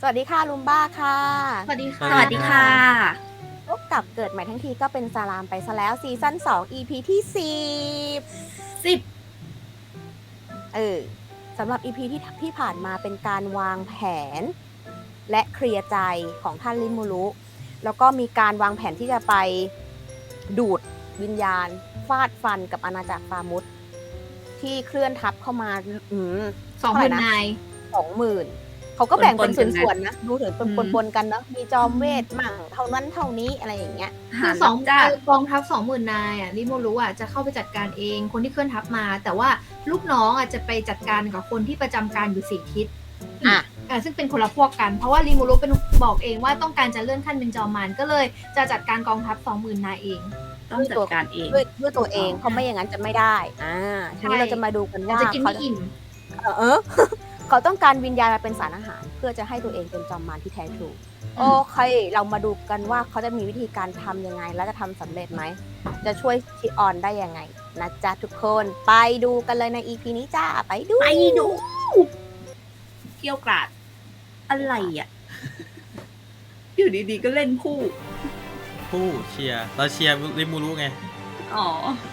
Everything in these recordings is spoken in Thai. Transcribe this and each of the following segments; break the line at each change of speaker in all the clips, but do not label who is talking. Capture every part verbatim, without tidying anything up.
วัสดีค่ะลุมบ้าค่ะ
สวัสดีค่ะ
สวัสดีค่ะ
พบกับเกิดใหม่ทั้งทีก็เป็นสารามไปซะแล้วซีซั่นสอง อี พี ที่สิบ
สิบ
เออสำหรับ อี พี ที่ที่ผ่านมาเป็นการวางแผน และเคลียร์ใจของท่านริมูรุแล้วก็มีการวางแผนที่จะไปดูดวิญญาณฟาดฟันกับอาณาจักรฟามุสที่เคลื่อนทัพเข้ามาอืม
สองหมื่นนาย
สองหมื่นเขาก็แบ่งเป็น
ปนๆกันนะ
ส่วนๆนะ ดูถึงเป็น
อืม
ปนๆกันเนาะมีจอมเวทมั่งเท่านั้นเท่านี้อะไรอย่างเงี้ย
คือสองกองทัพสองหมื่นนายอ่ะริโมรู้อ่ะจะเข้าไปจัดการเองคนที่เคลื่อนทัพมา แต่ว่าลูกน้องอ่ะจะไปจัดการกับคนที่ประจำการอยู่สี่ทิศ
อ่ะ
อ่าซึ่งเป็นคนละพวกกัน เพราะว่าริโมรู้เป็นบอกเองว่าต้องการจะเลื่อนขั้นเป็นจอมมารก็เลยจะจัดการกองทัพสองหมื่นนายเอง
ต้องจัดการเอง
ด้วยด้วยตัวเองเพราะไม่อย่างนั้นจะไม่ได้อ่าทีนี้เราจะมาดูกันว่า
จะกิน
เขา
ไม่อิ่ม
เออเอ อ เขาต้องการวิญญาณมาเป็นสารอาหาร เพื่อจะให้ตัวเองเป็นจอมมารที่แท้ทรูโอเค เรามาดูกันว่าเขาจะมีวิธีการทำยังไง และจะทำสำเร็จไหม จะช่วยชิออนได้ยังไงนะจ๊ะทุกคนไปดูกันเลยใน อี พี นี้จ้าไปดู
ไปดูเกี่ยวกราด อะไรอ่ะ อยู่ดีๆก็เล่นคู่
ผู้เชียร์เราเชียร์ริมูรุไง
อ๋อ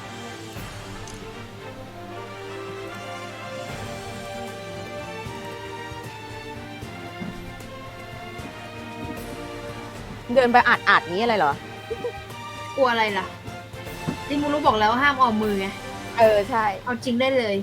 เดินไปอาดอาดๆนี้อะไรเหรอ
กลัวอะไรล่ะริโมรู้บอกแล้วว่าห้ามออมมือไง
เออใช่
เอาจริงได้เลย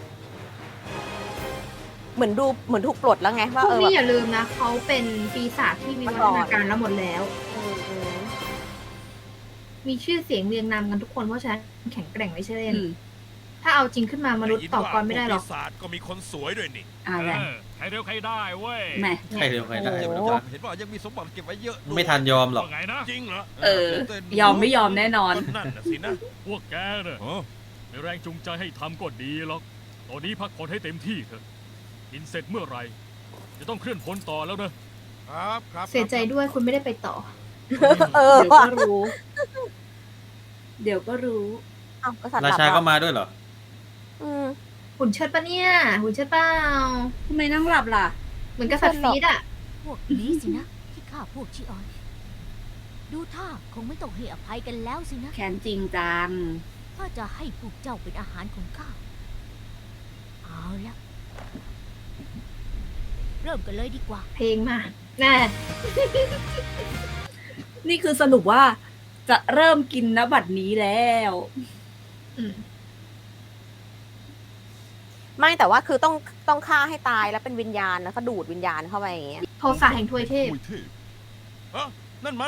เหมือนดูเหมือนถูกปลดแล้วไง
พ
ว่าว
ก
เออ
นี้
แบ
อบ ย่าลืมนะเขาเป็นปีศาจที่วิวัฒนาการแล้วหมดแล้ว
อืมอืม
มีชื่อเสียงเรียงนามกันทุกคนเพราะฉะนั้นแข็งแกร่งไม่ใช่เล่น
อืม
ถ้าเอาจริงขึ้นมามนุษย์ต่อกรไม่ได้หรอก
ปีศาจก็มีคนสวยด้วยนี่
อะไร
เออใครเร็วใครได้เว้ย
แหม่
ใครเร็วใครได้
โอ้
ไม่
โห
รู้จัก
เห็นว่ายังมีสมบัติเก็บไว้เยอะด้วย
ไม่ทันยอมหรอก
ว่าไงนะ
จริงเหรอ
เออ ยอมไม่ยอมแน่นอน
ก็นั่นน่ะสินะ
พวกแกเนี่ย
อ๋อ
มีแรงจูงใจให้ทำก็ดีหรอก ตอนนี้พักผ่อนให้เต็มที่เถอะ กินเสร็จเมื่อไหรจะต้องเคลื่อนพลต่อแล้วนะครับ
ครับ
เสียใจด้วยคุณไม่ได้ไปต่อ
เออ
เดี๋ยว
ว่ะ
ก็รู้ เดี๋ยวก็รู้
เอ้ากษัตริย์
รา
หลับ
ชาก็
อ่ะ
มาด้วยเหรอ
อืม
หุ่นเชิดปะเนี่ย หุ่นเชิดเปล่า
ทำไมนั่งหลับล่ะ
เหมือนกษัตริย์ฟีดอะ
พวกนี้สินะ ที่ฆ่าพวกชิออน ดูท่าคงไม่ต้องให้อภัยกันแล้วสินะ
แค้นจริงจัง
ถ้าจะให้พวกเจ้าเป็นอาหารของข้าเอาละเริ่มกันเลยดีกว่า
เพลงมาแน่
นี่คือสรุปว่าจะเริ่มกินนบัดนี้แล้ว
อืม
ไม่แต่ว่าคือต้องต้องฆ่าให้ตายแล้วเป็นวิญญาณแล้วก็ดูดวิญญาณเข้าไปอย่างเงี้ย
โทสะแห่งทวยเทพ
อุ้ยเทพฮะนั่นมัน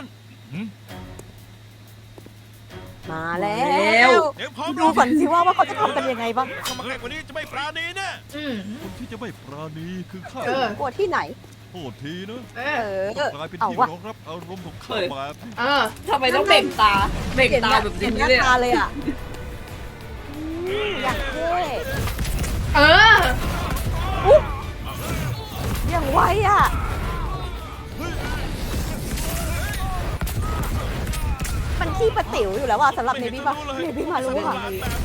มาแล้
แล้ว ว
เดี๋ยวพร้อม
ดูก่อนสิว่าว่าเขาจะทำกันยังไงบ้าง
ทำมาใกล้กว่านี้จะไม่ปราณีแน่
อืม
คนที่จะไม่ปราณีคือข้า
เออ
กลัวที่ไหน
โทษทีนะ
เอ
เอ
อ
อ
กลายเป็น
เอา
ที่
วะ
รองรับอารมณ์ของข้า
เฮ้ย
แบบนี้
เออ
ทำไมต้องเบ่งตา เบ่ง
เห็น
ตา
หน้า
แบบ
เห็
นี้
นหน้า
เลย
ตา
อะ
เลยอ่ะอยากเท่
เออ
อย่างไวอ่ะมันขี้ประติ๋วอยู่แล้วว่ะสำหรับเนบี้ป่ะเนบี้มารู้อ่ะ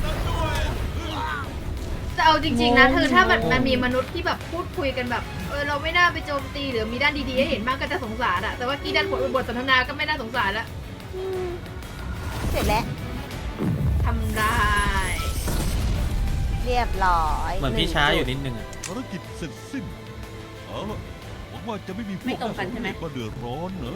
จะเอาจริงๆนะเธอถ้ามันมันมีมนุษย์ที่แบบพูดคุยกันแบบเออเราไม่น่าไปโจมตีหรือมีด้านดีๆให้เห็นบ้างก็จะสงสารอะแต่ว่ากี้ด้านบทบทสนทนาก็ไม่น่าสงสารละ
อืมเสร็จแล้ว
ทำได้
เรียบร้อย
เหมือนพี่ช้าอยู่นิดนึงอะ
ภารกิจเสร็จสิ้นเอาละหวังว่าจะไม่มีพวก
ไม่ตรงกันใช่ไหม
มาเดือดร้อนเนอะ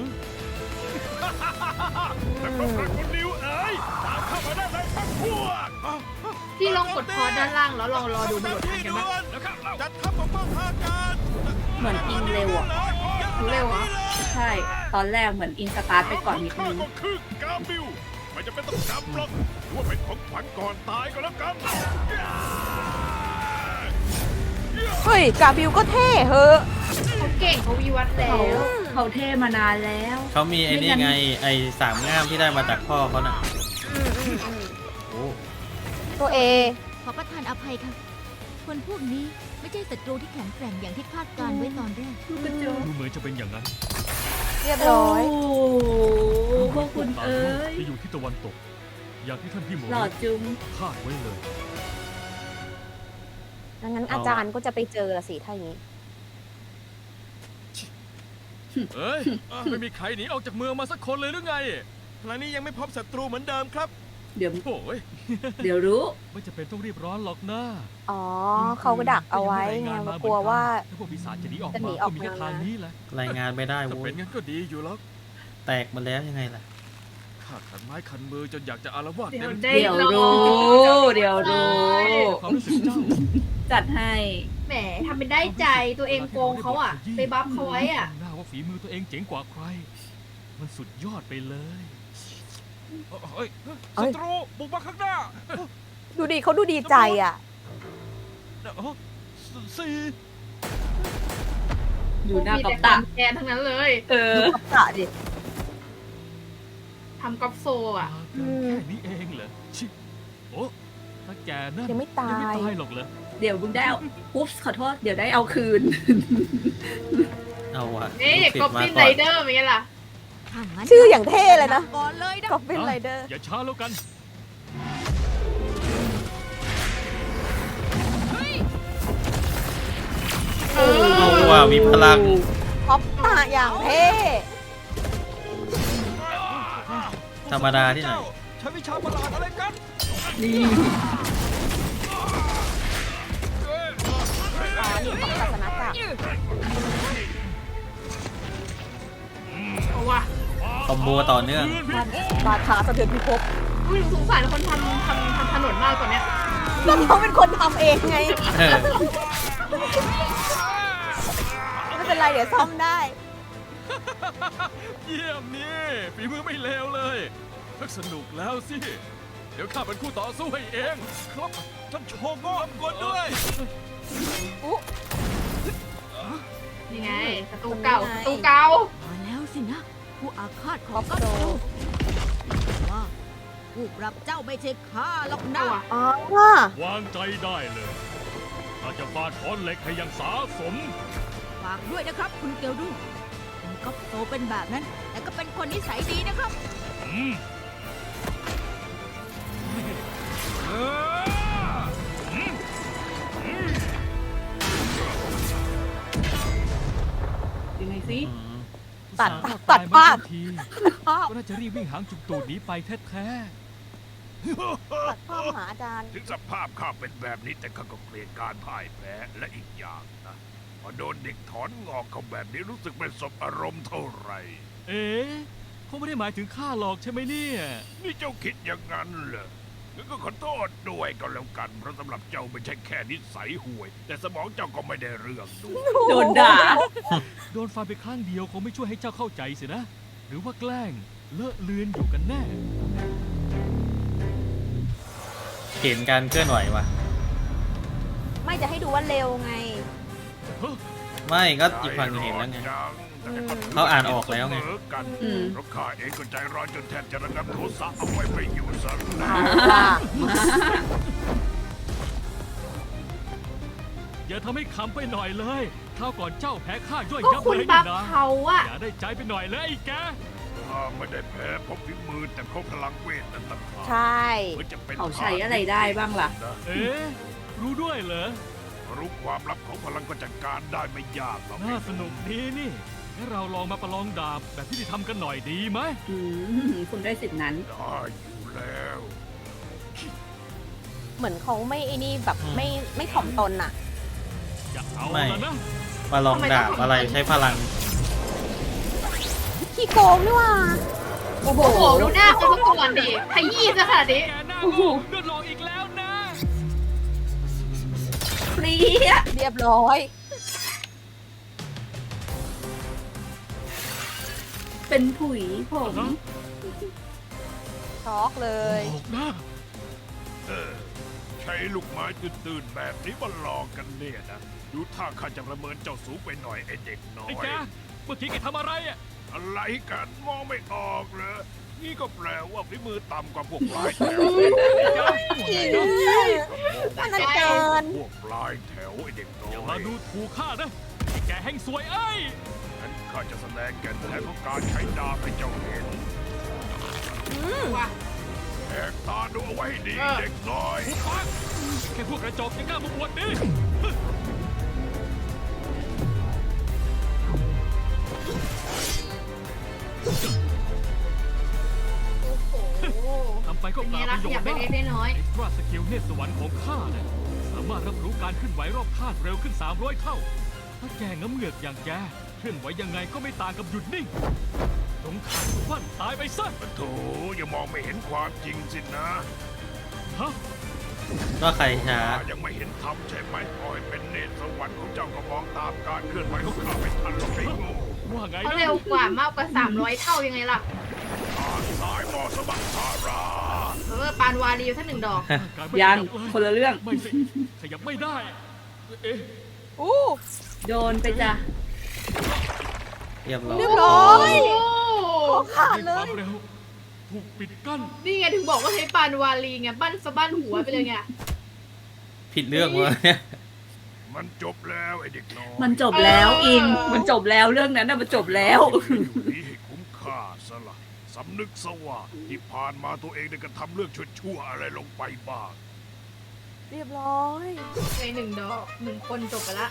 อืม
คุณนิวเอ๋ยตามเข้ามาได้เลยทั้งพวก
ที่ลองกดพอด้านล่างแล้วลองรอดูบททันกันบ้าง
แล้วข้าเรา
จัดทัพปกป้องทางการ
เหมือนอินเร็วอ่ะ
เร็วเหรอ
ใช่ ตอนแรกเหมือนอินสตาร์ทไปก่อนนิด
ข้า
นึง
ก็คือกาบิวไม่จะเป็นต้องจำหรอกหรือว่าเป็นของขวัญก่อนตายก็แล้วกัน
เฮ้ยกาบิวก็เท่เฮ้อะ
เขาเก่งเขาวิวัฒน์แล้
เขา
ว
เขาเท่มานานแล้ว
เขามีไอ้นี่ไง ไอ้สามง่ามที่ได้มาจากพ่อเขาน่ะ
อืมอืมอืม
โอ้
ตัวเอ
ขอประทานอภัยค่ะ คนพวกนี้ไม่ใช่ศัตรูที่แข็งแกร่งอย่างที่คาดการไว้ตอนแรก
ดูเหมือนจะเป็นอย่างนั้น
เรียบ
โอ้
ร้อย
พวกคุณเอ้ย
ที่อยู่ที่ตะวันตก อย่างที่ท่านพี่หมอ
หล่อจุง
คาดไว้เลย
ดังนั้นอาจารย์ก็จะไปเจอละสิถ้าอย่างนี้
เอ้ย ไม่มีใครหนีออกจากเมืองมาสักคนเลยหรือไง
ขณะนี้ยังไม่พบศัตรูเหมือนเดิมครับ
เดี๋ยว
โอ้ย
เดี๋ยวรู้
ไม่จะเป็นต้องรีบร้อนหรอกนะ
อ๋อเขาก็ดักเอาไว้ไงกลัวว่า
ถ้าพวกปีศาจจะหนีออก
จะหนี
มา
ออ
ก็
ก
มีแค่
มา
ทางนี้แหละ
รายงานไม่ได้
ถ้า
โว้
เป็
ย
นงั้นก็ดีอยู่แล้ว
แตกมาแล้วยังไงล่ะ
ข้าขันไม้ขันมือจนอยากจะอารวาส
เดี๋
เต็
ยว
ม
ได้
เดี๋ยว
ลอง
รู้ เดี๋ยวรู้
ความรู้สึกเจ้า
จัดให้
แหมทำเป็นได้ใจตัวเองโกงเขาอ่ะ ไปบัฟเขาไว้อ่ะ
หน้าว่าฝีมือตัวเองเจ๋งกว่าใคร มันสุดยอดไปเลย
เฮ้ยศัตรูบุกมาข้างหน้า
ดูดิเขาดูดีใจอ่ะ
เอ้อสี่
อยู่หน้า
มี
กับ
แต่ค
ตา
วามแกนทั้งนั้นเลย
เออ
กับตะดิ
ทำกอล์ฟโซอ่ะ
แค่นี้เองเหรอชิโอ้ถ้าแกนั่น
ยังไม่ตาย
ยังไม่ตายหรอกเหรอ
เดี๋ยวมึงได้เอาอุ๊บขอโทษ เดี๋ยวได้เอาคืน
เอาว่ะ
นี่
ลูศิษ
กอล์ฟ
ย์มา
ฟิน
ก่
ไร
อน
เดอร์เป็นไงล่ะ
ถ้างั้น
ชื่ออย่างเท่เลยนะ
ก่อนเลยนะ
กอบบินไรเดอร์
อย่าช้าแล้วกัน
เออ
เอาว่ะมีพลัง
ท็อปตาอย่างเท่
ธรรมดาที่ไหน
ใช้วิชาประหลาดอะไรกัน
นี่
อ๋อนี่ของศาสนาจักร
เอาว่ะ
คอมโบต่อเนื่อง
บาดขาสะเทือนพิภพ
อุ้ยสงสารคนทำทำทำถนนมากกว่าเนี้ย
แล้วเขาเป็นคนทำเองไง
เออ
ไม่เป็นไรเดี๋ยวซ่อมได้
เยี่ยมนี่ฝีมือไม่เลวเลยทักสนุกแล้วสิ เดี๋ยวข้าเป็นคู่ต่อสู้ให้เอง
ครับท่านโชว์ก็กดด้วย
นี่ไงประตูเก่าประตูเก่า
มาแล้วสินะ ผู้อาฆาตข
ค
อ
อง ป
กัป
โด
โซว่าผู้ปรับเจ้าไม่ใช่ข้าหรอกนะ
เอาว่ะ
อ๋อว่าว
างใจได้เลยข้าจะฟาดค้อนเหล็กให้อยังสาสม
ฝากด้วยนะครับ คุณเกียวดูคุณกัปโซเป็นแบบนั้น แต่ก็เป็นคนนิสัยดีนะครับ
อืม
ยังไงสิ
อืม
ตัด
อุ
ตัด
ส่ห์
ภาพ
ตยมทันที
ภาพ
ก็น่าจะรีบวิ่งหางจุกตูดหนีไปแท้
ตัดภาพหาอาจารย์
ถึงสภาพข้าเป็นแบบนี้แต่ข้าก็เกลียดการพ่ายแพ้และอีกอย่างนะพอโดนเด็กถอนงอกเขาแบบนี้รู้สึกไม่สบอารมณ์เท่าไหร่
ๆ เอ๊ะเขาไม่ได้หมายถึงข้าหรอกใช่ไหมเนี่ย
นี่เจ้าคิดอย่างนั้นเหรองั้นก็ขอโทษด้วยก็แล้วกัน เพราะสำหรับเจ้าไม่ใช่แค่นิสัยห่วย แต่สมองเจ้าก็ไม่ได้เรื่องด้วย
โดนด่า
โดนฟันไปข้างเดียวคงไม่ช่วยให้เจ้าเข้าใจสินะ หรือว่าแกล้งเลอะเลือนอยู่กันแน่
เห็นการเคลื่อนไหวว่ะ
ไม่จะให้ดูว่าเร็วไง
ไม่ก็อีกฝั่งหนึงเห็นแล้วไง เขาอ่านออกแล้วไง
เสมกัน
อืม
เพราะข้าเองก็ใจร้อนจนแทบจะระงับโทสะเอาไว้ไม่อยู่ซะแล้ว
ว่า
อย่าทำให้ขำไปหน่อยเลยคราวก่อนเจ้าแพ้ข้าย่อย
ก็
ยับ
คุณ
เลย
บั
นี่
ฟ
นะ
เขาอะ
อย่าได้ใจไปหน่อยเลยไอ้แก
ข้าไม่ได้แพ้เพราะฝีมือแต่เพราะพลังเวทนั่นต่างหาก
ใช่
หรือจะเป็น
เขาใช้อะไรได้บ้างล่ะ
นะ
เอ๊ะรู้ด้วยเหรอ
รู้ความลับของพลังก็จัดการได้ไม่ยากหรอก
น่าสนุกดีนี่งั้นเราลองมาประลองดาบแบบที่ได้ทำกันหน่อยดีไหม
อืมคุณได้สิทธินั้น
ได้อยู่แล้ว
เหมือนเขาไม่ไอ้นี่แบบไม่ไม่ถ่อมตนอ่ะ
จะเอา
ไม่
แล้วนะ
มาลองดาบอะไรใช้พลัง
ขี้โกงนี่ว่า โอ้โห
โอ้โหดูหน้าเขาซะก่อนดิขยี้ซะขนาดนี้
แกหน้า
โอ้โห
โง่เลือดลองอีกแล้วนะ
เปรี้ย
เรียบร้อย
เป็นผุยผม
ช็อกเลย
ออกหน้า
เออใช้ลูกไม้ตื่นๆแบบนี้มาหลอกกันเนี่ยนะดูท่าข้าจะประเมินเจ้าสูงไปหน่อยไอเด็กน้อ
ไอ้
ย
แกเมื่อกี้แกทำอะไรอ่ะ
อะไรกันมองไม่ออกเหรอนี่ก็แปลว่าฝีมือต่ำกว่าพวกปลายแถว
อันนั้นเกิน
พวกปลายแถวไอเด็กน้
อย่า
อ
มาย ดูถูกข้านะไอ้แกแห่งสวยเอ้ย
งั้นข้าจะแสดงแก่นแท้ของการใช้ดาบให้เจ้าเห็น
ว่ะ
แหกตาดูเอาไว้ให้ดี
เออ
เด็กน้อย
หุบปากแค่พวกกระจอกยังกล้ามาบวชดิ
เ
ก็
เป็น
เป
ไง
ล่า
ล่ะ
ประโย
อยา
ช
ก
น์
เป็น
นะ
เล็กน้อย
เอ็กซ์ตร้าสกิลเนตสวรรค์ของข้าเนี่ยสามารถรับรู้การเคลื่อนไหวรอบข้างเร็วขึ้น สามร้อย เท่า ถ้าแกงน้ำเหงือกอย่างแกเคลื่อนไหวยังไงก็ไม่ต่างกับหยุดนิ่งสงขาดฟันตายไปซะ
โถอย่ามองไม่เห็นความจริงสินะ
ฮะ
ก็ใครช้า
ข้ายังไม่เห็นธรรมใช่ไหมปล่อยเป็นเนตรสวรรค์ของเจ้าก็มองตามการเคลื่อนไหวของข้าไม่ทันหรอกไอ้โง่
ว่าไง
เขา
นะ
เร็วกว่ามากกว่า สามร้อย เท่ายังไงล่ะ
ทางสายมอสมัครทารา
เออปานวารีอยู่สักหนึ่งดอก
การไม่
ยัง
ขบเลย
คนละเรื่อง
ไม่สิขยับไม่ได้ เอ๊ะ
อู้
โดนไปจ้ะ
เรียบร้อย
เรียบร้อย
โอ้
ขาด
ด้วย
เล
ควาย มเร็วถูกปิดกั้น
นี่ไงถึงบอกว่าใช้ปานวารีไงบั้นสะบั้นหัวไปเลยไง
ผิดเรื่องวะเนี่ย
มันจบแล้วไอ้เด็กน้อย
มันจบแล้วอิน มันจบแล้วเรื่องนั้นน่ะมันจบแล้ว
อยู่นี่ให้คุ้มค่าซะละสำนึกซะว่าที่ผ่านมาตัวเองได้กระทำเรื่องชั่วๆอะไรลงไปบ้าง
เรียบร้อย
ในหนึ่งดอกหนึ่งคนจบไปละ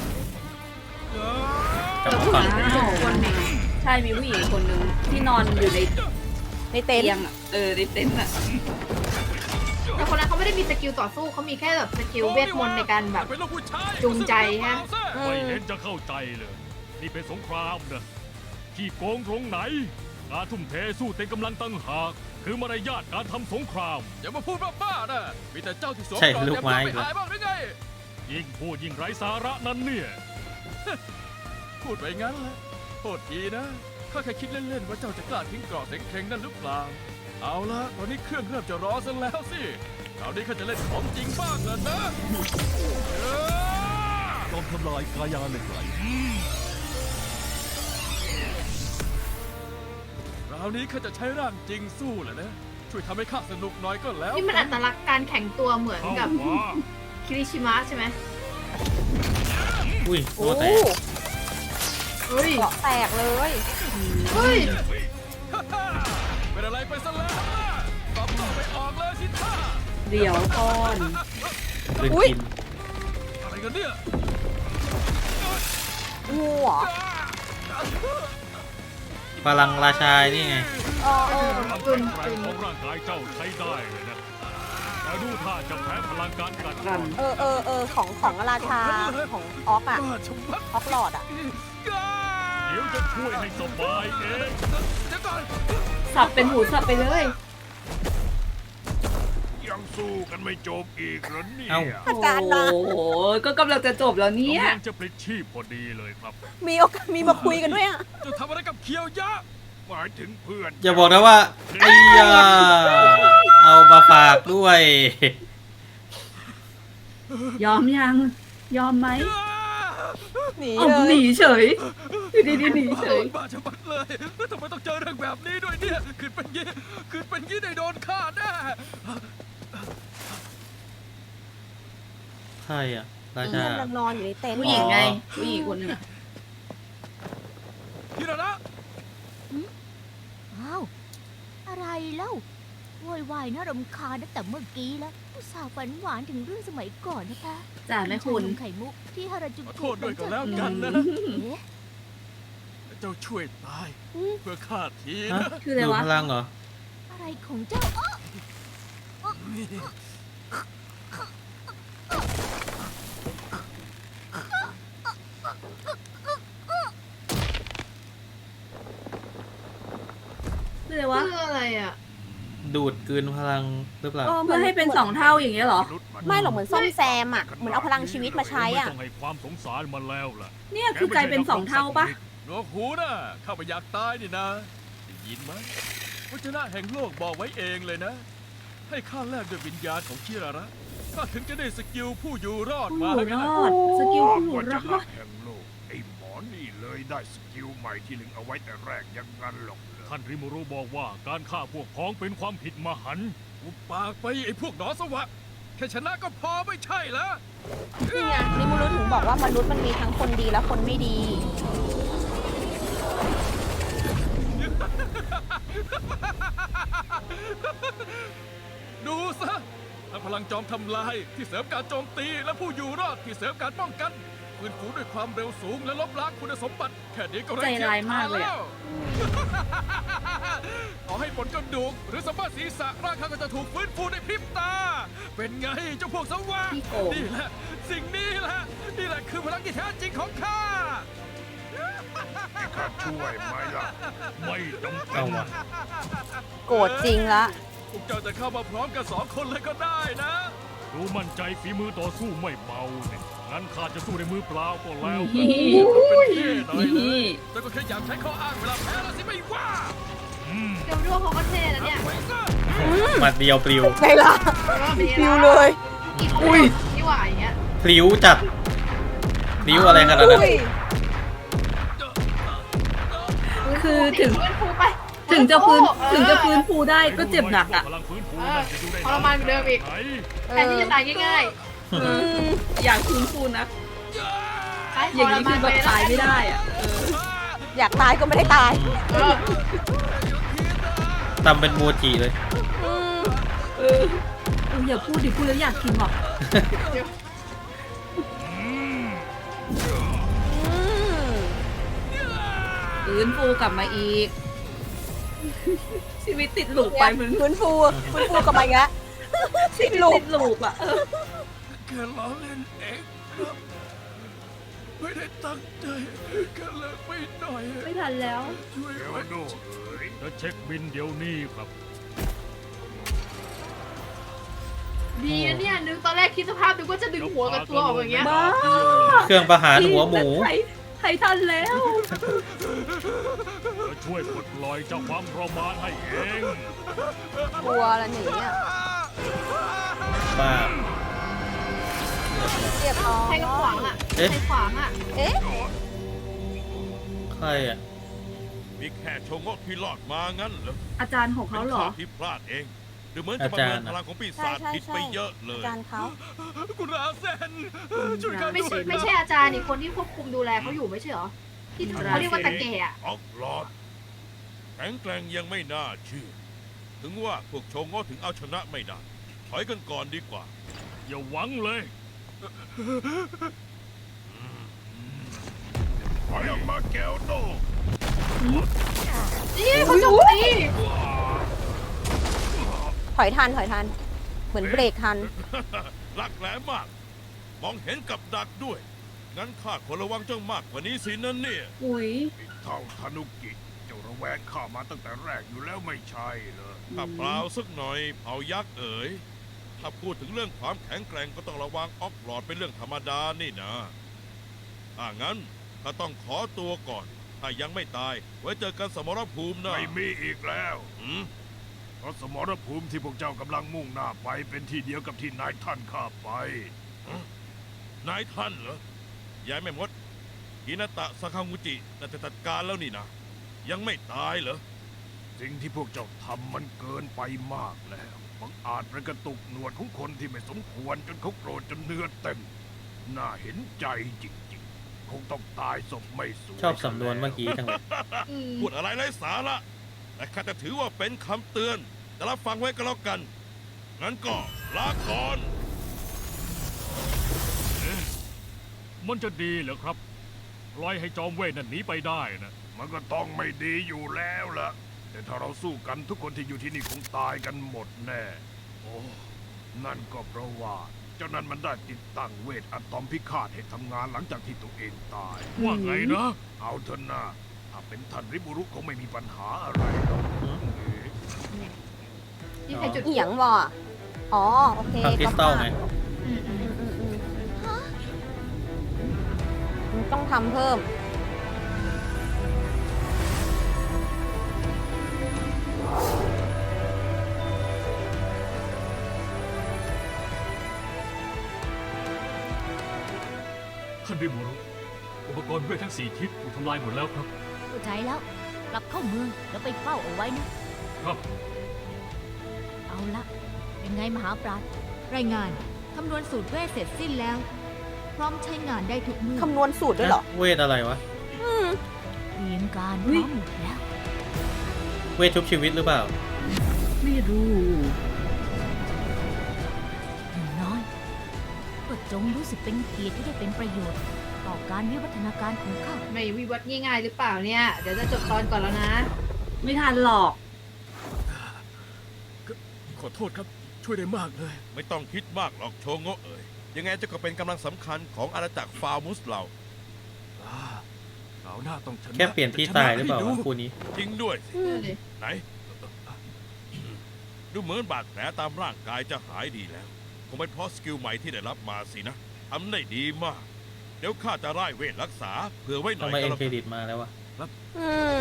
กลับมาฝั่ง
อ้าวคนหนึ่งใช่มีผู้หญิงคนหนึ่งที่นอนอยู่ใน
ในเต็น
เตียง
ท์
อะเออในเต็นท์อะ
แต่คนนั้นเขาไม่ได้มีสกิลต่อสู้เขามีแค่แบบสกิลเวทมนต์ในการแบบ
เป็นลูกผู้ชาย
จูงใจฮะ
ไม่เห็นจะเข้าใจเลย นี่เป็นสงครามนะขี้โกงตรงไหน การทุ่มเทสู้เต็มกำลังตั้งหาก คือมารยาทการทำสงคราม อย่ามาพูดบ้าๆนะมีแต่เจ้าที่สวม
ใช่
กอด
ลูกไม้
เต็
อีก
ไม่
แล้ว
อายบ้างหรือไง ยิ่งพูดยิ่งไร้สาระนั้นเนี่ย พูดไปงั้นแหละโทษทีนะข้าแค่คิดเล่นๆว่าเจ้าจะกล้าทิ้งกรอบเซ็งๆนั่นหรือเปล่า เอาละตอนนี้เครื่องเริ่มจะร้อนซะแล้วสิคราวนี้ข้าจะเล่นของจริงบ้างแล้วนะเอ้อ
จอมทำลายกายาเหล็กไหล
คราวนี้ข้าจะใช้ร่างจริงสู้แหละนะ ช่วยทำให้ข้าสนุกหน่อยก็แล้ว
นี่มันอัตลักษณ์การแข่งตัวเหมือน
เข้า
กับ
มา
คิริชิมะใช่ไหม
อุ้ย
โอ้
โอ้แตก
เฮ้ย
เกาะแตกเลย
เฮ้ย
เป็นอะไรไปซะแล้วล่ะตอบโต้ไม่ออกเลยสิท่า
เดี๋ยวก่อน
ลืม
อุ๊ย
กิน
อะไรกันเนี่ย
งูเหรอ
พลังราชานี่ไง
เออเออ
ความ
จุ
แข็
น
งแกร่
จุ
ง
น
ของร่างกายเจ้าใช้ได้เลยนะ แต่ดูท่าจะแพ้พลังการกัด
กัน
เออเออเออของของราชาของออกอะ
บ้าชะมัด
ออกหลอดอะ
เดี๋ยวจะช่วยให้สบายเอง เดี๋ยวก่อน
สับเป็นหูสับไปเลย
ยังสู้กันไม่จบอีกเหรอเนี่ย
เอ้า
อาจารย์นะ
โอ้โหก็กำลังจะจบแล้วเนี่ย
กำลังจะปลิดชีพพอดีเลยครับ
มีโอกาสมีมาคุยกันด้วยอะ
จะทำอะไรกับเคียวยะ
หมายถึงเพื่อน
อย่าบอกนะว่าไอ้ยาเอามาฝากด้วย
ยอมยัง ยอมไหม
หนี
เอา
เล
ห
ย
นีเฉยอยู่ดีๆหนีเฉย
บ้าชะมัดเลย แล้วทำไมต้องเจอเรื่องแบบนี้ด้วยเนี่ย คือเป็นยี่คือเป็นยี่ได้โดนฆ่าแน่
ใช่อ่ะ ราชา
กำลังนอนอยู่ในเต็นท์
ผู้หญิงไง ผู้หญิงคนหนึงอะ
พี่ระนะ
อ้าว อะไรเล่าโวยวายน่ารำคาญตั้งแต่เมื่อกี้แล้วอุตส่าห์ฝันหวานถึงเรื่องสมัยก่อนนะคะ
จ่าแม่คุณ
ชานมไข่มุกที่ฮาราจู
ขอ
กุ
โทษด้วยก็แล้วกันนะ
เอ๊ะ
เจ้าช่วยตาย เพื่อข้าที
ฮะ
นะ
คืออะไร
ดู
วะ
พลังเหรอ
อะไรของเจ้าอ้อ
คืออะไรวะ
เพื่ออะไรอ่ะ
ดูดกลืนพลังหรือเปล่า
เออ
เพื่อให้เป็นสองเท่าอย่างเงี้ยเหรอ
ไม่หรอกเหมือนซ่อมแซมอะเหมือนเอาพลังชีวิตมาใช้
ไม่
อะ
ต้องให้ความสงสารมันแล้วล่ะ
เนี่ยคือกลายเป็นสองเท่าปะ
หนวกหูนะข้าไม่อยากตายนี่นะได้ยินไหมวจนะแห่งโลกบอกไว้เองเลยนะ ให้ข้าแลกด้วยวิญญาณของคิราระข้าถึงจะได้สกิลผู้อยู่รอด
ผู้
มา
อยู่
แล้ว
ร
นะ
อด สกิล
ความ
ผู้อยู่
วั
ร
จ
อ
นะ
ด
แห่งโลกไอ้หมอนี่เลยได้สกิลใหม่ที่ลึงเอาไว้แต่แรกอยังงั้นหรอกเหรอ
ท่านริมูรุบอกว่าการฆ่าพวกพ้องเป็นความผิดมหันต์อุบปากไปไอ้พวกหนอสวะ แค่ชนะก็พอไม่ใช่แล้ว
นี่ไงนิมูรุถึงบอกว่ามนุษย์มันมีทั้งคนดีและคนไม่ดี
ดูซะทั้งพลังจอมทำลายที่เสริมการโจมตีและผู้อยู่รอดที่เสริมการป้องกัน คฟื้นฟูด้วยความเร็วสูงและลบล้างคุณสมบัติแค่นี้ก็
ใจร้ายมากเลยอะ
ขอให้ผลกระดูกหรือสัมผัสศีรษะร่างข้าก็จะถูกฟื้นฟูในพริบตา เป็นไงเจ้าพวกสวะ
พี่โกง
นี่แหละสิ่งนี้แหละนี่แหละคือพลังที่แท้จริงของข้า
ข้าช่วยไหมล่ะ ไม่จำเป็
เอา
น
วะ
โกรธจริงละ
พวกเจ้าจะเข้ามาพร้อมกันสองคนเลยก็ได้นะ
ดูมั่นใจฝีมือต่อสู้ไม่เบาเนี่ยงั้นข้าจะสู้ในมือเปล่าก็แล้ว
นี่
เป็นเท่หน่อยเล
นี่
ยแต่ก็แค่อยากใช้ข้ออ้างเวลาแพ้แล้วสิไม่ว่า
เดี๋ยวดูเขาก็เท่นะเนี่ย
ไปซะ
หมัดเดียวปลิว
ไงล่ะ ฟิวเลย
อีกอุ้ยนี่หว่าอย่างเงี้ย
ปลิวจัดปลิวอะไรขนาดนั้น
อุ้ย
คือถึง
ฟื้นฟูไป
ถึงจะฟื้น
เออ
ถึงจะฟื้นฟูได้ก็เจ็บหนักอ่ะ
พลังฟื้นฟู
เออ
น่าจะอยู่ได้
ทรมานเหมือนเดิมอีก
ไหน
แทนที่จะตายง่าย
เอออยากฟื้นฟูนะ
ๆไป
อย่างนี้คือแบบตายไม่ได้อ่ะ
อยากตายก็ไม่ได้ตาย
เออ
ทำเป็นโมจิเลย
อืม
เออเอออย่าพูดดิพูดแล้วอยากกินว่ะ
อืม
ฟื้นฟูกลับมาอีก ชีวิตติดหลูกไปเหมือน
ฟื้นฟูฟื้นฟูกลับมาอีกแล้ว
ชีวิตติดหลูกอ่ะเออ
แค่ล้อเล่นเองครับ ไม่ได้ตั้งใจแค่เลิกไปหน่อย
ไม่ทันแล้ว
ช่วย
เดี๋ยว
ไว้
ดูเอ๋ยจะเช็คบินเดี๋ยวนี้ครับ
ดีนะเนี่ยนึกตอนแรกคิดสภาพนึกว่าจะดึงหัวกับตัวออกอย่างเงี้ย
บ้า
เครื่องประหารหัวหมู
ใครใครทันแล้ว
จะช่วยปลดปล่อยเจ้าความทรมานให้เอง
กลัวละหนีอ่ะ
ป้า
เรียบร้อย
ใครก็ขวางอ่ะ
เอ๊ะ
ใครขวางอ่ะ
เอ๊ะ
ใครอ่ะ
มีแค่โชงกที่รอดมางั้นเหรอ
อาจารย์ของเขาเหรอ
ป็นข้ที่พลาดเองดูเหมือนจะประเมินพลังของปี
ใช่
ศาจ
ใช่
ผิด
ใช่
ไปเยอะเล
อาย จารย์เขา
คุณราเซนช่วยกัน
ไม่
ด้
ใช่
วย
ไม่ใช่อาจารย์นี่คนที่ควบคุมดูแลเขาอยู่ไม่ใช่เหรอ ที่เขาเรียกว่าตะแก่อะ
ออกหลอดแข็งแกร่งยังไม่น่าเชื่อ ถึงว่าพวกโชงกถึงเอาชนะไม่ได้ถอยกันก่อนดีกว่า
อย่าหวังเลยถอยออกมาแก้วโต
นี่เขาโจมตี
ถอยทันถอยทัน เหมือนเบรกทัน
หลักแหลมมาก มองเห็นกับดักด้วย งั้นข้าควรระวังเจ้ามากกว่านี้สินั่นเนี่ย
อุ้ย
เท่าธนุกิเจ้าระแวงข้ามาตั้งแต่แรกอยู่แล้วไม่ใช่เหรอ
ถ้าเปล่าสักหน่อยเผายักษ์เอ๋ย ถ้าพูดถึงเรื่องความแข็งแกร่งก็ต้องระวังออกหลอดเป็นเรื่องธรรมดานี่นะถ้างั้นข้าต้องขอตัวก่อน ถ้ายังไม่ตาย ไว้เจอกันสมรภูมินะ
ไม่มีอีกแล้ว
หืม
เพราะสมรภูมิที่พวกเจ้ากำลังมุ่งหน้าไปเป็นที่เดียวกับที่นายท่านข้าไป
นายท่านเหรอ ยายแม่มดฮินาตะสาคางูจิน่าจะจัดการแล้วนี่นะ ยังไม่ตายเหรอ
สิ่งที่พวกเจ้าทำมันเกินไปมากแล้วบังอาจประกระตุกหนวดของคนที่ไม่สมควรจนเขาโกรธจนเนื้อเต็ม น่าเห็นใจจริงๆ คงต้องตายศพไม่สวย
ชอบสำนวนเมื่อกี้จังเลย
อืม
พูดอะไรไร้สาระแต่ข้าจะถือว่าเป็นคำเตือน แต่รับฟังไว้ก็แล้วกัน งั้นก็ลาก่อน
มันจะดีเหรอครับปล่อยให้จอมเวทนั่นหนีไปได้นะ มันก็ต้องไม่ดีอยู่แล้วล่ะ แต่ถ้าเราสู้กันทุกคนที่อยู่ที่นี่คงตายกันหมดแน่ โอ้ นั่นก็เพราะว่า เจ้านั้นมันได้ติดตั้งเวทอะตอมพิฆาตให้ทำงานหลังจากที่ตัวเองตาย ว่าไงนะ เอาเถอะนะถ้าเป็นท่านริบุรุคงไม่มีปัญหาอะไรหรอก
นี่ใครจุด
อีหยังวะอ๋อ โอเค
ทำคริสตัลไง
อืมอืม
อืมอืมอืมต้องทำเพิ่ม
ท่านริมูรุอุปกรณ์เวททั้งสี่ทิศถูกทำลายหมดแล้วครับ
เข้าใจแล้ว กลับเข้าเมืองแล้วไปเฝ้าเอาไว้นะ
ครับ
เอาละยังไงมหาปราชญ์รายงาน คำนวณสูตรเวทเสร็จสิ้นแล้ว พร้อมใช้งานได้ทุกเมื่อ
คำนวณสูตรด้วยเหรอ
เวทอะไรวะ
อืม
เตรียมการพร้อมหมดแล้ว
เวทชุบชีวิตหรือเปล่า
ไม่รู้
อย่างน้อยก็จงรู้สึกเป็นเกียรติที่ได้เป็นประโยชน์ต่อการวิวัฒนาการของข้า
ไม่วิวัฒน์ง่ายๆหรือเปล่าเนี่ย เดี๋ยวจะจบตอนก่อนแล้วนะ
ไม่ทันหรอก
ขอโทษครับ ช่วยได้มากเลย
ไม่ต้องคิดมากหรอกโชโงะเอ๋ยยังไงเจ้าก็เป็นกำลังสำคัญของอาณาจักรฟามุสเรา
อ่าเอาหน้าต้องชนะ
แค่เปลี่ยนที่ตายหรือเปล่า
จะชนะ
วะ
ให้ดู
คู่นี้
จริงด้วยสิ
อืม
ไหน ดูเหมือนบาดแผลตามร่างกายจะหายดีแล้ว คงเป็นเพราะสกิลใหม่ที่ได้รับมาสินะทำได้ดีมาก เดี๋ยวข้าจะไล่เวทรักษาเผื่อไว้หน่
ทำ
อย
ไม
ก็
เอ็น
แล้ว
เคร
กัน
ดิตมาแล้ววะ
อืม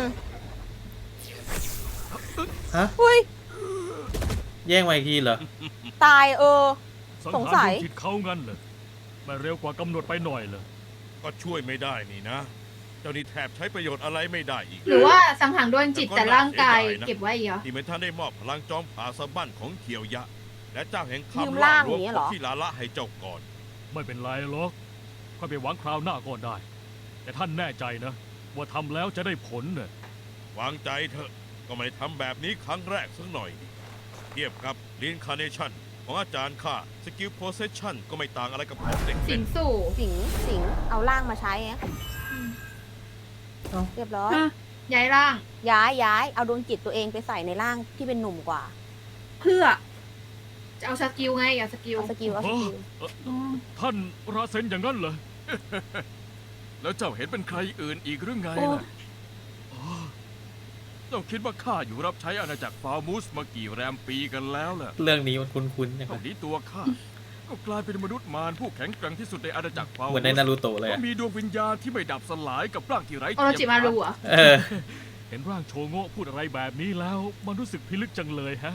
ฮะ
อุ้ย
แย่งมาอีกทีเหรอ
ตายเออ
สัง
สง
หาร
สัย
ดวงจิตเขางั้นเลยไม่เร็วกว่ากำหนดไปหน่อยเลย
ก็ช่วยไม่ได้นี่นะ เจ้านี่แทบใช้ประโยชน์อะไรไม่ได้อีก
หรือว่าสังหารดวงจิตแต่ร่างกายเก็บไว้อีกเหรอ
ที่ไม่ท่านได้มอบพลังจอมผาสะบั้นของเขียวยะ และเจ้าแห่ง
ยืม
คำ
ร่าง
รวม
อย่างนี้เหรอ
ที่ลาละให้เจ้าก่อน
ไม่เป็นไรหรอกค่อยไปหวังคราวหน้าก็ได้ แต่ท่านแน่ใจนะ ว่าทำแล้วจะได้ผลเน่ะ
วางใจเถอะก็ไม่ได้ทำแบบนี้ครั้งแรกสักหน่อยนี่เทียบกับ Reincarnation ของอาจารย์ข้าสกิล Possession ก็ไม่ต่างอะไรกับของเด็ก
สิ
เล่
ง
น
สู่
สิงสิงเอาร่างมาใช้ไง
เอ้า
เรียบร้อย
ฮะ
ย้ายร่าง
ย้ายย้ายเอาดวงจิตตัวเองไปใส่ในร่างที่เป็นหนุ่มกว่า
เพื่อ
จะเอาสกิลไงเอาสกิล
เอาสกิลเอาสกิล
อ๋อ
ท่านราเซนอย่างนั้นเหรอ
แล้วเจ้าเห็นเป็นใครอื่นอีกหรือไง
โอ้
ล่ะอ๋อเจ้าคิดว่าข้าอยู่รับใช้อาณาจักรฟามูสมากี่แรมปีกันแล้วล่ะ
เรื่องนี้มันคุ้นๆนะค
ต
รั
อบ นนี้ตัวข้า ก็กลายเป็นมนุษย์มารผู้แข็งแกร่งที่สุดในอาณาจักรฟา
เห
มู
มือนในนารูโตะเลย
ก็
อะ
มีดวงวิญญาณที่ไม่ดับสลายกับร่างที่ไร้
โอโรจิมารูเหรอ
เออ
เห็นร่างโชโงะพูดอะไรแบบนี้แล้ว มันรู้สึกพิลึกจังเลยฮะ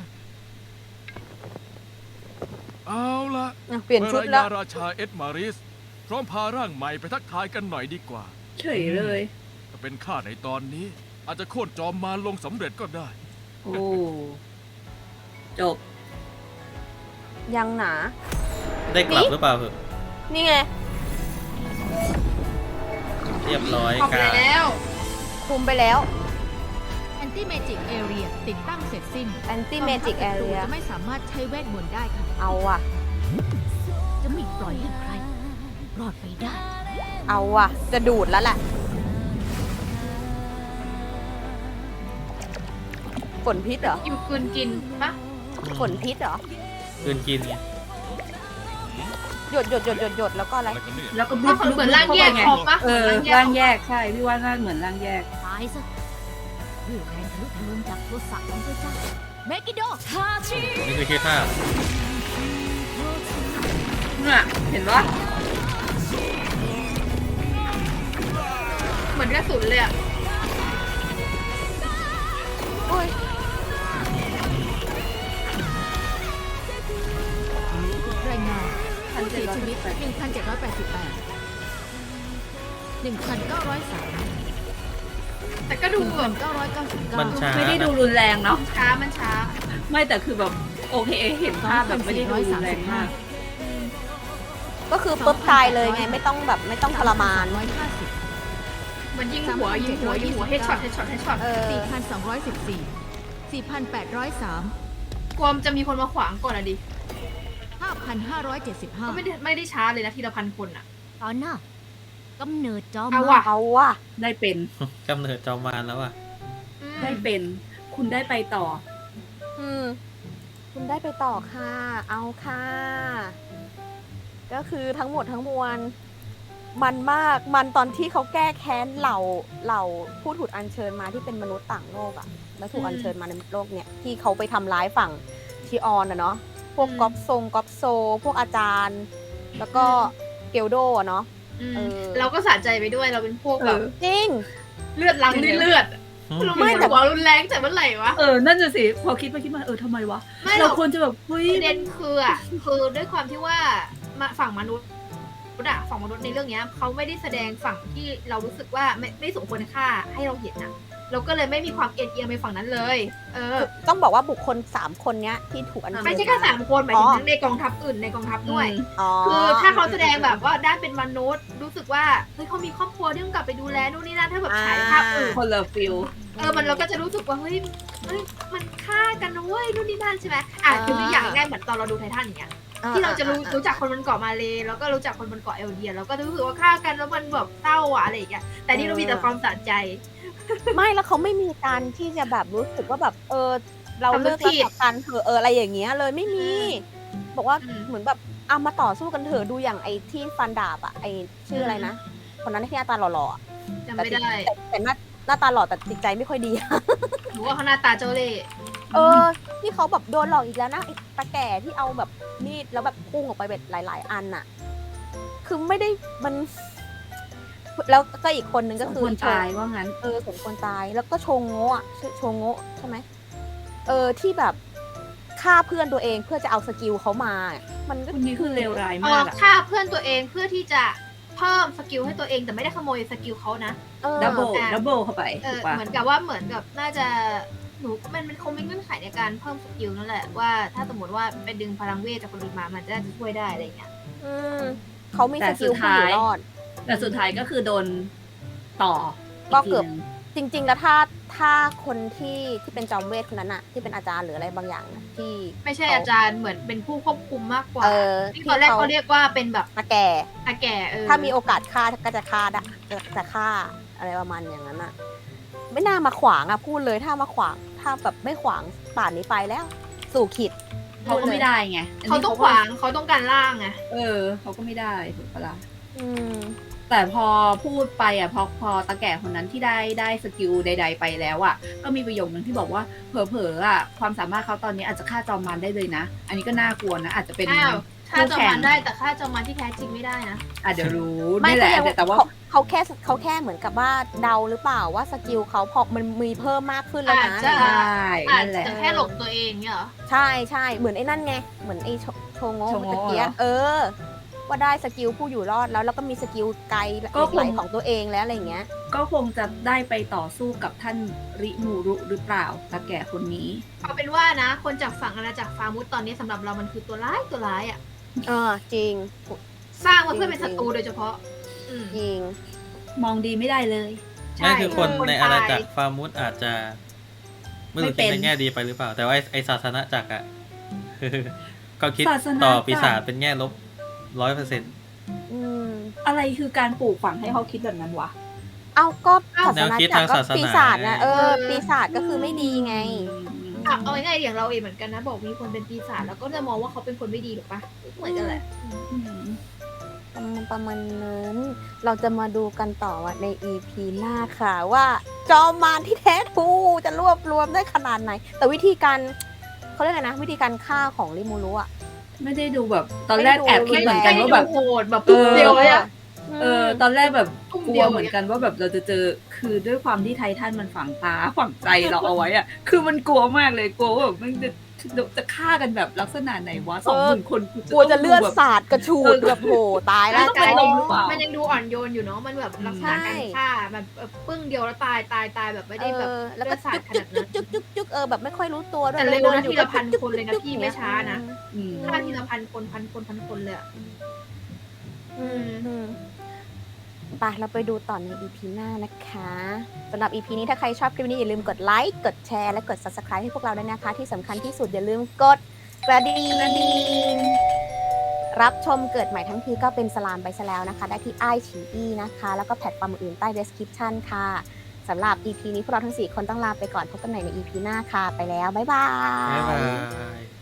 เอาละ
อ่ะเปลี่ยนชุดแล้ว
เมื่อรายงานราชาเอ็ดมาริส พร้อมพาร่างใหม่ไปทักทายกันหน่อยดีกว่า
เฉยเลย
ถ้าเป็นข้าในตอนนี้ อาจจะโค่นจอมมารลงสำเร็จก็ได้
โอ้ จบ
ยังหนา
ได้กลับหรือเปล่าเหอะ
นี่ไง
เรียบร้อย
ออก
กา
แล้ว
คุมไปแล้ว
แอนตี้เมจิกแอเรียติดตั้งเสร็จสิ้น
Anti Magic
กองทัพศัตรู
Area
จะไม่สามารถใช้เวทมนต์ได้ค่ะ
เอาว่ะ
จะไม่ปล่อยให้ใคร รอดไปได้
เอาว่ะ จะดูดแล้วแหละฝนพิษเหรอ
กินคืนกินปะ
ฝนพิษเหรอ
คืนกินไง
หยดหยดหยดหยดหยดแล้วก็อะไร
อะไรกันเนี่ย
แล้วก็
ถ้าเหมือนร่างแยก
ไง
ออกปะ
เออ
เหมือน
ร่า
ร่าง ง
แย
แยก
กใช่ พี่ว่าน่าเหมือนร่างแยก
ตายซะด้วยแรงทะลุทะลวงจากโทสะของพระเจ้าเมกิโด
นี่คือชื่อท่า
น่ะ เห็นว่า
เหมือนกระสุนเลยอะ
อุ้ย
รายงาน
พัน
ผู้
เจ็ด
เสีย
ร้อย
ชีวิต
แปด
หนึ่งพันเจ็ดร้อยแปดสิบแปด หนึ่งพันเก้าร้อยสาม
แต่ก็ดูแบบ
เก้าร้อยเก้าสิบเก้า
มันช้า
ไม่ได้ดูรุนแรงเนาะ
ช้ามันช้า
ไม่แต่คือแบบโอเค เห็นภาพแบบไม่ได้ดูรุนแรงมาก
ก็คือปุ๊บตายเลยไง ไม่ต้องแบบไม่ต้องทรมาน
ร้อยห้าสิบ
เหมือนยิงหัวยิงหัวยิงหัวเฮดช็อตเฮดช็อตเฮดช็อต
เออ
สี่พันสองร้อยสิบสี่ สี่พันแปดร้อยสาม
กลัวมนจะมีคนมาขวางก่อนอะดิ
ห้าพันห้าร้อยเจ็ดสิบห้า
ก็ไม่ได้ไม่ได้ช้าเลยนะทีละพันคนอะ
ตอนน่ะกำเนิดจอม
เอา
มาร
ว่ะ
เอาว่ะ
ได้เป็น
กำเนิดจอมมารแล้วอ่ะ
อืม
ได้เป็น คุณได้ไปต่อ
อืม คุณได้ไปต่อค่ะ เอาค่ะ ก็คือทั้งหมดทั้งมวล มันมาก มันตอนที่เขาแก้แค้นเหล่าเหล่าผู้ถูกอัญเชิญมาที่เป็นมนุษย์ต่างโลกอะแล้วถูกอัญเชิญมาในโลกเนี่ยที่เขาไปทำร้ายฝั่งทีออนอะเนาะ พวกก๊อปทรงก๊อปโซ พวกอาจารย์ แล้วก็เกลโดอะเนาะ
อืม
เออ
เราก็สะใจไปด้วยเราเป็นพวกแบบ
เออ
จริง
เลือดล้างด้วยเลือดอะ
อืม
เราไม่แต่ว่ารุนแรงแต่เมื่อไหร่วะ
เออ นั่นจะสิ พอคิดไปคิดมา เออทำไมวะ
ไม่หร
เรา
อก
ควรจะแบบเฮ้ย
ประเด็นคืออ่ะคือด้วยความที่ว่ามาฝั่งมนุษย์อะฝั่งมนุษย์ในเรื่องเนี้ยเขาไม่ได้แสดงฝั่งที่เรารู้สึกว่าไม่ไม่สมควรค่าให้เราเห็นอ่ะ เราก็เลยไม่มีความเอ็นเอียงไปฝั่งนั้นเลย เออ
ต้องบอกว่าบุคคลสามคนเนี้ยที่ถูกอัญเชิญ
ไม่ใช่แค่สามคนหมายถึ
อ๋
ง
อ
ทั้งในกองทัพอื่นในกองทัพด้วย
อ๋อ
คือถ้าเขาแสดงแบบว่าด้านเป็นมนุษย์ รู้สึกว่าเฮ้ยเขามีครอบครัวที่ต้องกลับไปดูแลนู่นนี่นั่นถ้าแบบฉายภาพอื่น
คนละฟิล
เออ มันเราก็จะรู้สึกว่า เฮ้ยเฮ้ย มันฆ่ากันนะเว้ยนู่นนี่นั่นใช่ไหมอ่ะคือตัวอย่างง่ายๆเหมือนตอนเราดูไททันอย่างเงี้ยที่เราจะรู้
อ่า
รู้จักคนบนเกาะมาเลแล้วก็รู้จักคนบนเกาะเอลเดียแล้วก็รู้สึกว่าฆ่ากันแล้วมันแบบเศร้าอะอะไรอย่างเงี้ยแต่นี่เรามีแต่ความสะใจ
ไม่แล้วเขาไม่มีการที่จะแบบรู้สึกว่าแบบเออ เรา
สำนึ
เลิ
ก
กรัก
ผิด
ต่อกันเถอะเอออะไรอย่างเงี้ยเลยไม่มี บอกว่า
อืม
เหมือนแบบเอามาต่อสู้กันเถอะดูอย่างไอ้ที่ฟันดาบอะไอ้ชื่ออะไรนะคนนั้นที่หน้าตาหล่อๆอะ
จำไม่ได้
แต่แต่หน้าหน้าตาหล่อแต่จิตใจไม่ค่อยดี
หรือว่าเขาหน้าตาเจ้าเล่ห์
เออที่เขาแบบโดนหลอกอีกแล้วนะไอ้ตาแก่ที่เอาแบบมีดแล้วแบบพุ่งออกไปแบบหลาย ๆ อันน่ะ คือไม่ได้มัน แล้วก็อีกคนนึงก็คือ
สมควร
โช
ตายว่างั้น
เออสมควรตายแล้วก็โชงโง่อะชื่อโชงโง่ใช่ไหมเออที่แบบฆ่าเพื่อนตัวเองเพื่อจะเอาสกิลเขามา มันก็
คุณนี่คือเลวร้าย
เอ
มา
อก
อะ
ฆ่าเพื่อนตัวเองเพื่อที่จะเพิ่มสกิลให้ตัวเองแต่ไม่ได้ขโมยสกิลเขานะ
เออ
ดับเบิล
อ่ะ
ดับเบิลเข้าไป
เอ
ถู
อก
ปะ
เหมือนกับว่าเหมือนกับน่าจะหนูมันมันคงเป็นเงื่อนไขในการเพิ่มสกิลนั่นแหละว่าถ้าสมมติว่าไปดึงพลังเวทจากคนอื่นมามันจะจะช่วยได้อะไรอย่างเงี้ย
อืมเขามี
แต่
สกิล
สุด
ผู้อยู่
ท้าย
รอด
แต่สุดท้ายก็คือโดนต่อ
ก็
ที
เกือบ
หนึ่ง
จริง ๆ แล้วถ้าถ้าคนที่ที่เป็นจอมเวทคนนั้นอะที่เป็นอาจารย์หรืออะไรบางอย่างนะที่
ไม่ใช่
เขา
อาจารย์เหมือนเป็นผู้ควบคุมมากกว่า
เออ
ที่
ที่
ตอนแรก
เขา
เขาเรียกว่าเป็นแบบ
ตาแก่
อาแก่เออ
ถ้ามีโอกาสฆ่าก็จะฆ่าได้จะจะฆ่าอะไรประมาณอย่างนั้นอะไม่น่ามาขวางอะพูดเลยถ้ามาขวาง ถ้าแบบไม่ขวางป่านนี้ไปแล้ว สู่ขิด
เขาก็ไม่ได้ไงน
เขา
นี้
ต้องขวางเขาต้องการล่างไง
เออเขาก็ไม่ได้ถูกปะล่ะ
อืม
แต่พอพูดไปอ่ะพอพอตาแก่คนนั้นที่ได้ได้สกิลใด ๆ ไปแล้วอ่ะก็มีประโยคนึงที่บอกว่าเผลอๆอ่ะความสามารถเขาตอนนี้อาจจะฆ่าจอมมารได้เลยนะ อันนี้ก็น่ากลัวนะอาจจะเป็น
อ้าวฆ่าจอม
คู่แข่
มาง รได้แต่ฆ่าจอมมารที่แท้จริงไม่ได้นะ
อาจจะเดี๋ยวรู้
ไม่
นี่แห
ก็
ละ
ยัง
แต่ว่า
เขาเขาแค่เขาแค่เหมือนกับว่าเดาหรือเปล่าว่าสกิลเขาพอมันมีเพิ่มมากขึ้นแล้วนะ
อาจจะ
ใช่
อาจ
นั่นแหละ
จะแค่หลงตัวเองเนี่ยเหรอ
ใช่ใช่เหมือนไอ้นั่นไง เหมือนไอ้โชโชโงะ
โชโงะ
ตะเกีย
เหรอ
เออ ว่าได้สกิลผู้อยู่รอดแล้วแล้วก็มีสกิลไกล
ก็คง
ไหลของตัวเองแล้วอะไรอย่างเงี้ย
ก็คงจะได้ไปต่อสู้กับท่านริมูรุหรือเปล่าตาแก่คนนี้
เอาเป็นว่านะ คนจากฝั่งอาณาจักรฟามุสตอนนี้สำหรับเรามันคือตัวร้ายตัวร้ายอ่ะ
เออจริง
สร้างมาเพื่อเป็นศัตรูโดยเฉพาะ อืม
จริง
มองดีไม่ได้เลย
ใช่
นั่นคือคน
คน
ในอาณาจัก
ตาร ย
ฟาร์มุสอาจจะไม่
ไม่
รู้
เป็
คิด
น
ในแง่ดีไปหรือเปล่า แต่ว่าไอ้ไอศาสนาจักรอะ เขาคิด
ศาสนา
ต่อ
จักร
ปีศาจเป็นแง่ลบร้อยเปอร์เซ็นต์
อืม
อะไรคือการปลูกฝังให้เขาคิดแบบนั้นวะ
เอาก็
เอ้า
ศาสนาจักรก็ปีศาจนะเออ ปีศาจก็คือไม่ดีไง
อ่ะเอาง่ายๆอย่างเราเองเหมือนกันนะ บอกมีคนเป็นปีศาจแล้วก็จะมองว่าเขาเป็นคนไม่ดีหรอกปะเหมือนกันแหละ
อืม
ประมาณประมาณนั้น เราจะมาดูกันต่อว่าใน อี พี หน้าค่ะว่า จอมมารที่แท้ทรูจะรวบรวมได้ขนาดไหน แต่วิธีการเขาเรียกอะไรนะ วิธีการฆ่าของริมูรุอะ
ไม่ได้ดูแบบ ตอนแรกแอบคิดเหมือนกัน
ไม่
ว่า
ได้
แบบ
ดูโหดแบบปุ๊บเดียวเลยอะ
เออ ตอนแรกแบบ
ทุ่ม
กลั
เดี
ว
ยว
เหมือนกันว่าแบบเราจะเจอ คือด้วยความที่ไททันมันฝังตาฝังใจเราเอาไว้อะคือมันกลัวมากเลยกลัวว่าแบบมันจะจะฆ่ากันแบบลักษณะไหนวะสองหมื่นคนกู
กลัวจะเลือด
แบบ
สาดกระชูดแบบโหตายแล้ว
ต้องเป็นลมหรือเปล่า
มันยังดูอ่อนโยนอยู่เนาะ มันแบบลักษณะการฆ่าแบบเออปึ้งเดียวแล้วตายตายตายแบบไม่ได้แบบ
เออแล้วก็
เลือดสาด
จุก
ขนาดนั้น
จุกจุกจุกเออแบบไม่ค่อยรู้ตัวด้วย
แต่เร็วนะ
ดิ
ทีละพัน
จุก
คนเลยนะ
จุก
พี่
จุก
ไม่ช้านะ
อืม
ฆ่าทีละพันคนพันคนพันคนเลยอะ
อืมอืมไปเราไปดูต่อใน อี พี หน้านะคะสำหรับ อี พี นี้ถ้าใครชอบคลิปนี้อย่าลืมกดไลค์กดแชร์และกด ซับสไครบ์ ให้พวกเราด้วยนะคะ ที่สำคัญที่สุดอย่าลืมกดกระดิ่งรับชมเกิดใหม่ทั้งทีก็เป็นสลามไปซะแล้วนะคะ ได้ที่ไอชีอีนะคะ แล้วก็แพลตฟอร์มอื่นๆใต้ description ค่ะสำหรับ อี พี นี้พวกเราทั้งสี่คนต้องลาไปก่อนพบกันใหม่ใน อี พี หน้าค่ะไปแล้วบ๊ายบา
บ๊ายบาย
ย